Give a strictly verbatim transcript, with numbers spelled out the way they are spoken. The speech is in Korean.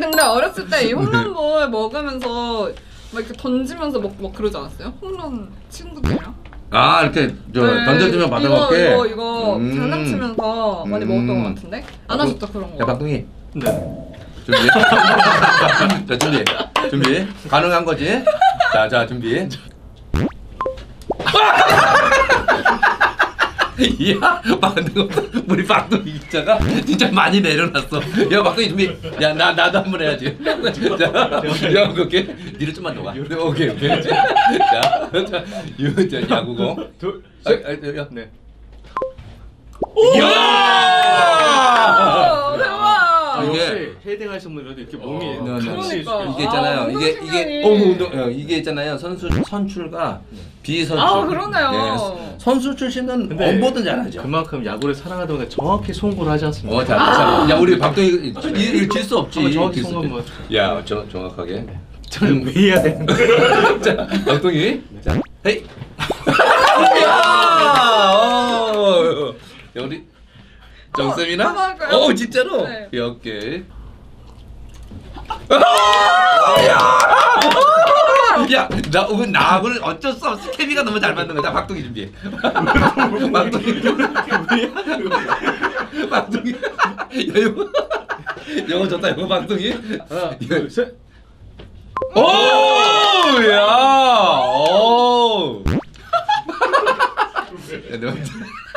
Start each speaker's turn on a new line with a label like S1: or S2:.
S1: 근데 어렸을 때 이 홈런볼 먹으면서 막 이렇게 던지면서 막, 막 그러지 않았어요? 홈런 친구들이랑?
S2: 아 이렇게 저
S1: 네,
S2: 던져주면 받아먹게.
S1: 이거 이거
S2: 음.
S1: 장난치면서 많이 먹었던
S2: 음.
S1: 것 같은데? 안 하셨죠 그런
S2: 야
S1: 거?
S2: 박동희
S3: 네.
S2: 준비. 자 준비. 준비. 가능한 거지? 자, 자 준비. 이야, 박동희, 우리 박동희 기자가 진짜 많이 내려놨어. 야, 박동희 준비. 야, 나 나도 한번 해야지. 자, 야, 오케이. 뒤로 좀만 더 가. 오케이, 오케이. 자, 자, 유, 자, 야구공.
S3: 둘,
S2: 아,
S3: 셋.
S2: 아, 야.
S3: 네.
S2: 이야!
S1: 아, 대박!
S3: 아,
S2: 이게-
S3: 역시 헤딩하신 분들도 이렇게 몸이
S2: 네, 네.
S3: 같이
S1: 그러니까.
S2: 이게 있잖아요.
S1: 아,
S2: 이게
S1: 운동
S2: 이게
S1: 신경이.
S2: 어, 운동, 어, 이게 있잖아요. 선수 선출과 비선출.
S1: 아, 그러네요.
S2: 네, 선수 출신은
S3: 근데
S2: 엄보든 잘하죠.
S3: 그만큼 야구를 사랑하다 보니까 정확히 송구를 하지 않습니까?
S2: 어, 자, 자, 야, 우리 박동희 이거 질 수 없지.
S3: 한번 정확히
S2: 질수
S3: 송구 한번.
S2: 없지. 야, 저 정확하게.
S3: 저는 왜 해야 되는데?
S2: 자, 박동희. 자, 헤이. 야, 어, 야, 우리 정쌤이나?
S1: 한번 할까요?
S2: 어, 진짜로.
S1: 네.
S2: 오케이. 야, 나 오늘 나하고는 어쩔 수 없어. 케미가 너무 잘 맞는 거다. 박동희 준비해. 박동희. 박동희. 야, 이거 영어 좋다. 영어 박동희.
S3: 하나, 둘, 셋.
S2: 오, 야, 오. 야, 너